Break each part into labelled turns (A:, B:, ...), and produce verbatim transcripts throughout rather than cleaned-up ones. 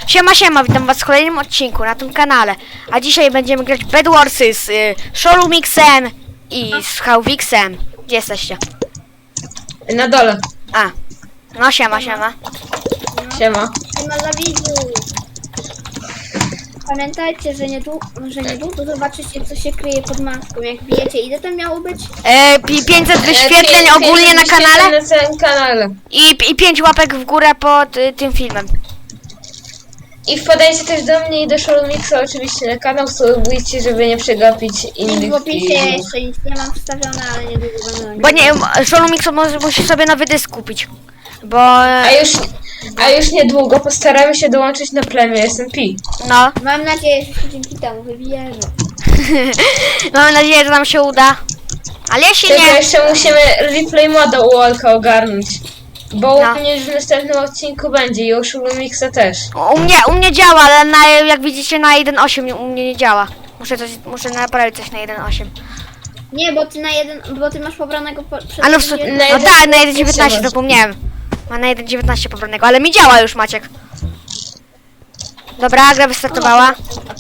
A: Siema, siema, witam was w kolejnym odcinku na tym kanale. A dzisiaj będziemy grać w Bed Warsy z y, Sholumixem i z Hałwixem. Gdzie jesteście?
B: Na dole.
A: A, no siema, siema.
B: Siema.
C: Siema dla widzów. Pamiętajcie, że niedługo, że niedługo zobaczycie, co się kryje pod maską. Jak bijecie, ile to miało być?
A: E, pi- pięćset wyświetleń
B: E, pię-
A: ogólnie na
B: pięćset
A: kanale
B: wyświetleń na całym kanale.
A: i, i pięć łapek w górę pod y, tym filmem.
B: I wpadajcie też do mnie i do Showmixa oczywiście na kanał, subujcie, żeby nie przegapić
C: W
B: innych
C: opisie
B: filmów.
C: jeszcze nic nie mam wstawione, ale niedługo będę
A: Bo nie, Sholumix może musi sobie nowy dysk kupić. Bo,
B: A już, a już niedługo postaramy się dołączyć na plemię S M P.
A: no,
C: Mam nadzieję, że się dzięki temu wybierze.
A: mam nadzieję, że nam się uda. Ale jeśli
B: Tylko
A: nie,
B: jeszcze musimy replay moda u Olka ogarnąć. Bo
A: No.
B: u mnie już w następnym odcinku będzie i u Showmixa też.
A: u mnie, u mnie działa, ale na, jak widzicie na jeden osiem u mnie nie działa. Muszę coś, muszę naprawić coś na jeden osiem.
C: Nie, bo ty na jeden, bo ty masz pobranego po, przed
A: A no, w, su-
C: jeden-
A: no
B: jeden-
A: tak, na jeden dziewiętnaście
B: masz.
A: zapomniałem. Ma na jeden dziewiętnaście pobranego, ale mi działa już, Maciek. Dobra, gra wystartowała.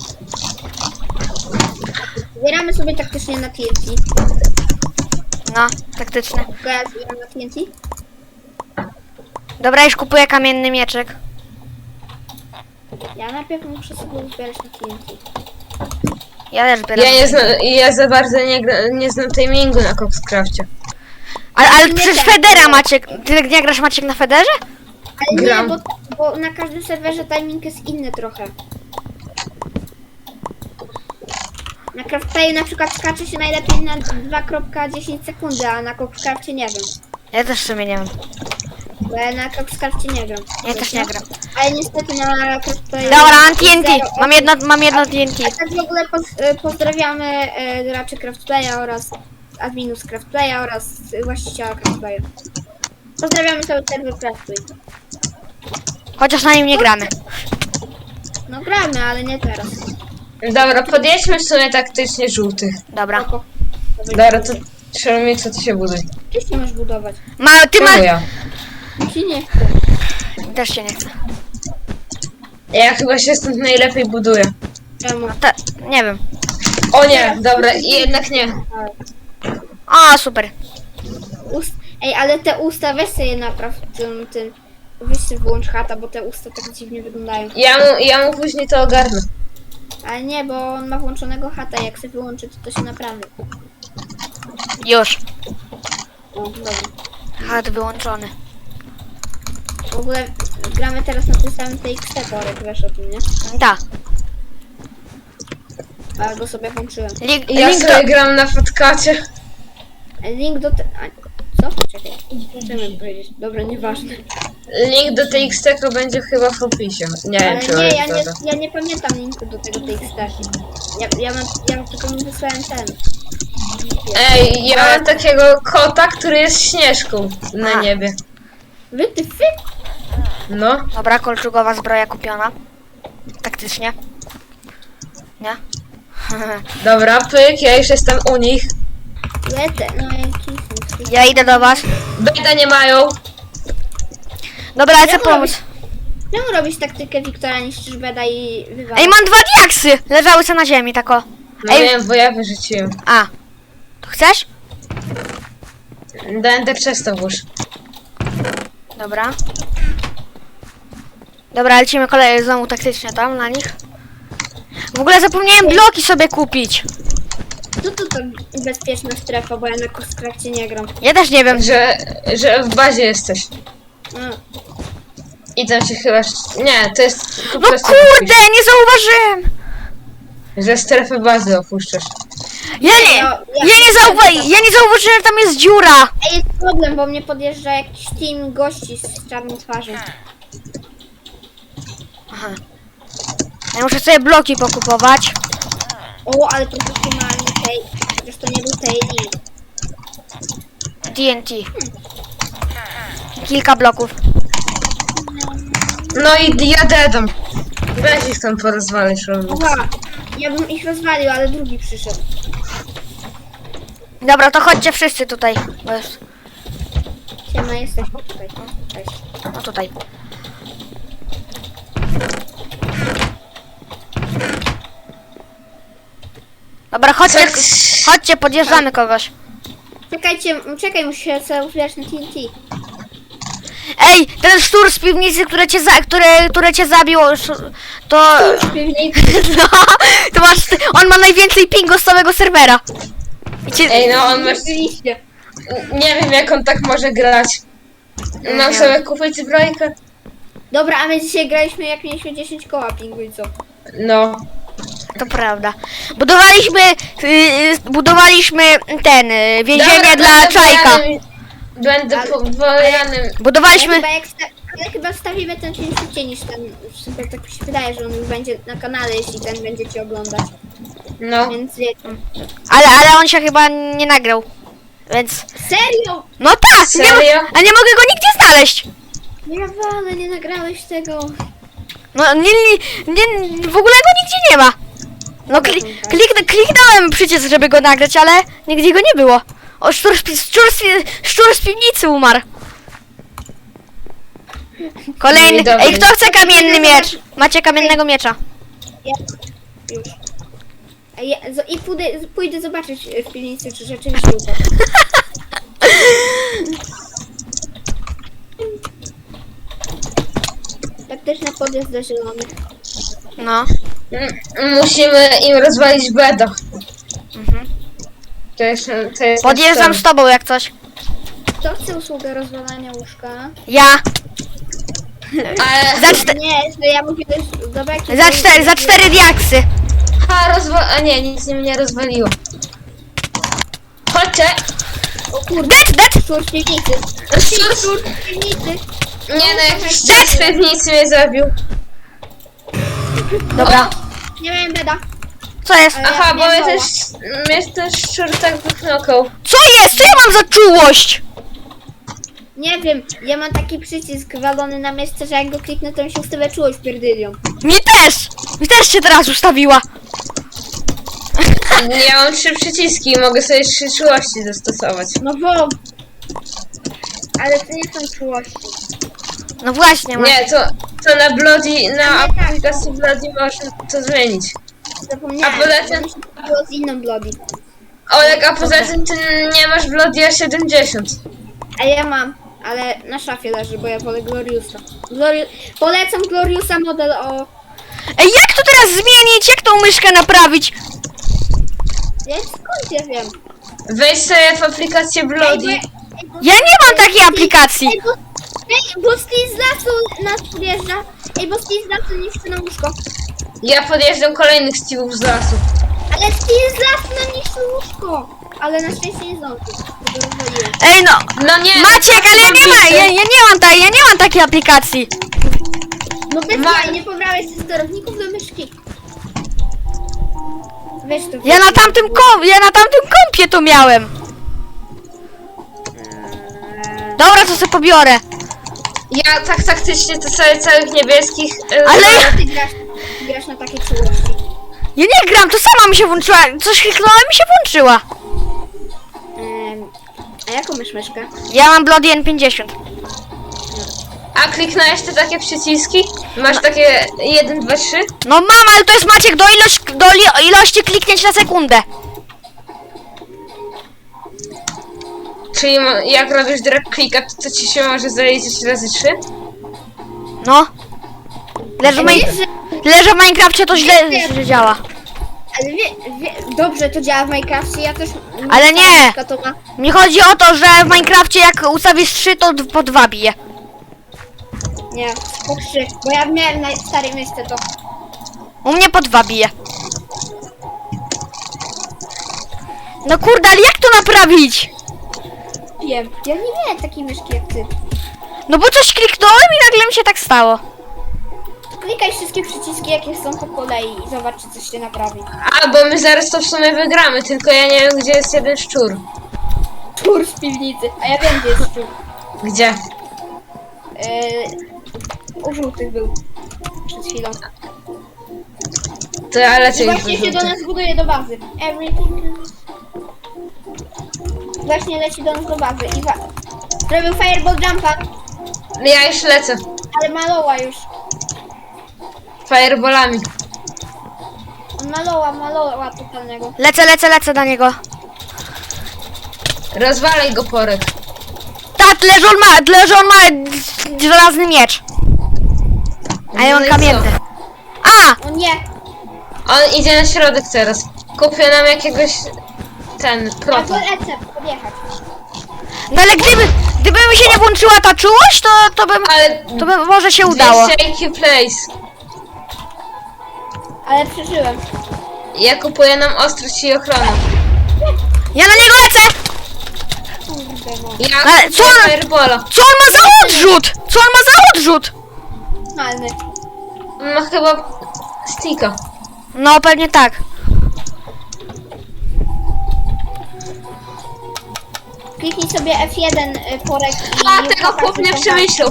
C: Zbieramy sobie taktycznie na T N T.
A: No, taktyczne.
C: Tylko ja zbieram na T N T.
A: Dobra, już kupuję kamienny mieczek.
C: Ja najpierw muszę sobie zbierać na T N T.
A: Ja też zbieram.
B: Ja nie znam, ja za bardzo nie, gra- nie znam timingu na Coxcrafcie.
A: Ale, ale
C: Nie
A: przecież
C: tak.
A: Federa, Maciek. Ty nie grasz, Maciek, na Federze?
C: Ale
B: Gram.
C: nie, bo, bo na każdym serwerze timing jest inny trochę. Na Craftplayu na przykład skacze się najlepiej na dwa kropka dziesięć sekundy, a na Coxcrafcie nie wiem.
A: Ja też w sumie nie wiem.
C: Bo ja na Coxcrafcie nie gram.
A: Ja też nie gram.
C: Ale niestety na Craftplayu...
A: Dobra, mam T N T.
C: zero.
A: Mam jedno, mam jedno T N T.
C: A tak w ogóle poz, e, pozdrawiamy e, graczy Craftplaya oraz adminów z Craftplaya oraz właściciela Craftplaya. Pozdrawiamy cały serwer Craftplay.
A: Chociaż na nim nie gramy.
C: No gramy, ale nie teraz.
B: Dobra, podjedźmy w sumie taktycznie żółtych.
A: Dobra.
C: Spoko.
B: Dobra, to Showmixa, co ty się buduj.
C: Ty się masz budować.
A: Ma, ty
B: Czemu
A: masz...
B: ja?
C: Ci nie chcę.
A: Też się nie chce.
B: Ja chyba się stąd najlepiej buduję.
C: Czemu?
A: Ta, nie wiem.
B: O nie, dobra, i jednak nie.
A: O, super.
C: Ust... Ej, ale te usta weź sobie napraw tym, tym. Weź sobie wyłącz chata, bo te usta tak dziwnie wyglądają.
B: Ja mu, ja mu później to ogarnę.
C: Ale nie, bo on ma włączonego chata, jak sobie wyłączy, to to się naprawi.
A: Już.
C: O, dobra.
A: Chat wyłączony.
C: W ogóle gramy teraz na tym samym T X T, Borek, wiesz o tym, nie?
A: Da.
C: A ja go sobie włączyłem.
A: Link,
B: Ja
A: link,
B: sobie
A: do,
B: gram na Fatkacie.
C: Link do te... A, co? Czekaj. Co miałem powiedzieć? Dobra, nieważne.
B: Link do T X T będzie chyba w opisie. Nie wiem,
C: Ale
B: czy
C: nie,
B: on
C: ja
B: jest
C: nie,
B: dobra.
C: ja nie pamiętam linku do tego T X T. Ja, ja, mam, ja tylko mi wysłałem ten.
B: Ej, ja mam takiego kota, który jest śnieżką na
A: A.
B: niebie.
C: Wy, ty, fy?
B: No.
A: Dobra, kolczugowa zbroja kupiona. Taktycznie. Nie?
B: Dobra, pyk, ja już jestem u nich.
C: Lecę, no jaki
A: Ja idę do was.
B: Beta nie mają.
A: Dobra, lecę
C: Jak
A: pomóc.
C: Czemu robisz taktykę Wiktora, niszczysz beda i wywalasz?
A: Ej, mam dwa diaksy! Leżały sobie na ziemi, tako.
B: No
A: Ej.
B: wiem, bo ja wyrzuciłem.
A: A. To chcesz?
B: Będę przez to włóż.
A: Dobra. Dobra, lecimy kolej znowu taktycznie tam na nich. W ogóle zapomniałem bloki sobie kupić.
C: Co to to bezpieczna strefa, bo ja na Coxcrafcie nie gram.
A: Ja też nie wiem.
B: Że, że w bazie jesteś.
C: A,
B: I tam się chyba... Nie, to jest po
A: No
B: prostu...
A: kurde, nie zauważyłem!
B: Że strefę bazy opuszczasz.
A: Ja nie,
C: No,
A: ja
C: ja-
A: nie zauważyłem, ja nie zauważyłem, że tam jest dziura.
C: Ej, jest problem, bo mnie podjeżdża jakiś team gości z czarną twarzą.
A: Aha. Ja muszę sobie bloki pokupować.
C: O, ale profesjonalny tej. Chociaż to nie był tej link.
A: T N T. Kilka bloków.
B: No i ja dedam. Weź ich tam porozwalisz.
C: Oha, ja bym ich rozwalił, ale drugi przyszedł.
A: Dobra, to chodźcie wszyscy tutaj. Bo jest...
C: Siema, jesteśmy tutaj. O, cześć.
A: No tutaj. Dobra, chodźcie,
B: Co-
A: chodźcie, podjeżdżamy kogoś.
C: Czekajcie, czekaj, muszę się sobie uzbierać na T N T.
A: Ej, ten szczur z piwnicy, które cię, za, które, które cię zabił, sz- to...
C: W piwnicy.
A: No, to masz, on ma najwięcej pingu z całego serwera. I cię,
B: Ej, no on ma...
C: Oczywiście.
B: Nie wiem, jak on tak może grać. Mam
A: Nie.
B: sobie kupić zbrojkę?
C: Dobra, a my dzisiaj graliśmy jak mieliśmy dziesięć koła pingu i co?
B: No.
A: To prawda. Budowaliśmy, yy, budowaliśmy ten, yy, więzienie
B: Dobra,
A: dla
B: będę
A: Czajka.
B: wojanym- Będę
C: Ale-
B: po- wojanym.
A: Budowaliśmy...
C: Ale chyba, jak sta- ale chyba wstawimy ten film szybciej niż ten. Super, tak mi się wydaje, że on już będzie na kanale, jeśli ten będziecie oglądać.
B: No.
C: Więc wiecie.
A: Ale, ale on się chyba nie nagrał. Więc...
C: Serio?
A: No tak! Nie, mo-
B: Serio?
A: a nie mogę go nigdzie znaleźć!
C: Nie wolę, nie nagrałeś tego.
A: No nie, nie, nie, w ogóle go nigdzie nie ma. No kli, kliknę, kliknąłem przecież, żeby go nagrać, ale nigdzie go nie było. O, szczur, z pi- szczur, z pi- szczur z piwnicy umarł. Kolejny.
B: No i dobra.
A: Ej, kto chce kamienny miecz? Macie kamiennego miecza.
C: Ja... Już. A ja, zo- I pójdę, pójdę zobaczyć w piwnicy, czy rzeczywiście upadł. Tak też na podjazd do zielonych.
A: No.
B: M- Musimy im rozwalić bedo.
A: Mhm.
B: To jest, to jest
A: Podjeżdżam
B: nasz
A: z tobą jak coś.
C: Kto chce usługę rozwalania łóżka?
A: Ja.
B: Ale...
A: Za, czte,
C: Nie, że ja mówię też do beki.
A: za, cztery, za cztery diaksy.
B: A, rozwa... A nie, nic nim nie rozwaliło. Chodźcie!
C: O kurde,
A: Dead, dead!
C: szczur w piwnicy.
B: Szczur-
C: Szczur w piwnicy.
B: Nie no, jakiś czas nic mnie zabił.
A: Dobra.
C: Nie miałem beda.
A: Co jest?
C: Ale-
B: Aha,
C: ja
B: bo
C: nie
B: mnie też, mnie też szczur tak wyknokał.
A: Co jest? Co ja mam za czułość?
C: Nie wiem, ja mam taki przycisk walony na miejsce, że jak go kliknę, to mi się ustawia czułość pierdylią.
A: Mi też! Mi też się teraz ustawiła.
B: Ja mam trzy przyciski i mogę sobie trzy czułości zastosować.
C: No bo... Ale to nie są czułości.
A: No właśnie, ma-
B: Nie, to, to na Bloody, na
C: Ale tak.
B: aplikacji Bloody można to zmienić.
C: Zapomniałem.
B: A poza tym-
C: Mi się to było z inną Bloody.
B: Olek, a poza tym ty nie masz Bloody A siedemdziesiąt.
C: A ja mam, ale na szafie leży, bo ja wolę Gloriusa. Glori... Polecam Gloriusa model o...
A: Ej, jak to teraz zmienić? Jak tą myszkę naprawić?
C: Ja skąd ja wiem?
B: Wejdź sobie w aplikację
C: Ej, bo,
B: Bloody.
C: ej, bo,
A: Ja nie mam takiej aplikacji.
C: Ej, bo, ej, bo Steve z lasu nas podjeżdża. Ej, bo Steve z lasu niszczy na łóżko.
B: Ja podjeżdżam kolejnych Steve'ów z lasu.
C: Ale Steve z lasu nam niszczy łóżko. Ale na szczęście nie zdążył. bo go rozwaliłem.
A: Ej, no.
B: No nie,
A: Maciek, ale ja nie ma, ja, ja nie mam tej, ja nie mam takiej aplikacji.
C: No bez
B: Ma-
C: jaj, nie pobrałeś ze sterowników do myszki. Weź to.
A: Ja na tamtym kom, ja na tamtym kompie to miałem. Dobra, to sobie pobiorę.
B: Ja tak taktycznie to sobie całych niebieskich... e,
A: Ale-
B: za-
C: Ty grasz, grasz na takie czułości.
A: Ja nie gram, to sama mi się włączyła. Coś kliknąłem i mi się włączyła.
C: Em, a jaką masz myszkę?
A: Ja mam Bloody N pięćdziesiąt.
B: A kliknąłeś te takie przyciski? Masz takie jeden, dwa, trzy?
A: No mam, ale to jest Maciek do, ilość, do li, ilości kliknięć na sekundę.
B: Czyli mo- jak robisz drag clicka, to, to ci się może zaliczyć razy trzy?
A: No. Leży w,
C: Ale
A: maj,
C: wiesz, że,
A: leży w Minecrafcie, to źle źle działa.
C: ale wie, wie, dobrze to działa w Minecrafcie, ja też...
A: Ale nie.
C: myszka To ma,
A: Mi chodzi o to, że w Minecrafcie jak ustawisz trzy, to d- po dwa bije.
C: nie, po trzy, bo ja miałem na starym miejsce to.
A: U mnie po dwa bije. No kurde, ale jak to naprawić?
C: Wiem, ja nie miałem takiej myszki jak ty.
A: No bo coś kliknąłem i nagle mi się tak stało.
C: Klikaj wszystkie przyciski jakie są po kolei i zobacz czy coś się naprawi.
B: A, bo my zaraz to w sumie wygramy, tylko ja nie wiem, gdzie jest jeden szczur.
C: Tur z piwnicy, a ja wiem gdzie jest tur.
B: Gdzie?
C: Yy, u żółtych był przed chwilą.
B: To ja lecę
C: I
B: już
C: właśnie się do
B: do
C: nas buduje do bazy. Everything is... Właśnie leci do nas do bazy i wa... Zrobił fireball jumpa,
B: Ja już lecę.
C: ale maloła już.
B: Fireballami.
C: On maloła, maloła totalnego.
A: Lecę, lecę, lecę na niego.
B: Rozwalaj go, Porek.
A: Tak, leży on ma, leży on ma żelazny miecz. A ja
B: No
A: mam
B: i
A: kamienny. A!
C: O nie!
B: On idzie na środek teraz. Kupię nam jakiegoś... ten,
C: Ja
B: proto.
C: go lecę podjechać.
A: No ale gdyby, gdyby mi się nie włączyła ta czułość, to, to bym,
B: Ale...
A: to by może się udało.
B: dwieście I Q place.
C: Ale przeżyłem.
B: Ja kupuję nam ostrość i ochronę.
A: Ja na niego lecę!
C: Kurde no.
B: Ja
A: Ale co
B: kupuję
A: on-
B: Firebola.
A: Co on ma za odrzut? Co on ma za odrzut?
C: Normalny.
B: On ma chyba... sticka.
A: No pewnie tak.
C: Kliknij sobie F jeden y, Porek i...
B: A, tego chłop nie przemyślał.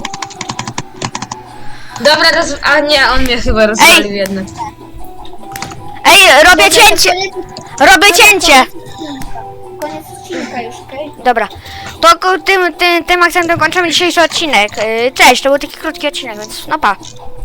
B: Dobra, roz... a nie, on mnie chyba rozwalił jednak.
A: Ej, robię
C: Dobra, to
A: cięcie!
C: koniec-
A: Robię cięcie!
C: Koniec odcinka już, okej?
A: Dobra, to ko- tym, tym, tym akcentem kończymy dzisiejszy odcinek. Yy, Cześć, to był taki krótki odcinek, więc no pa.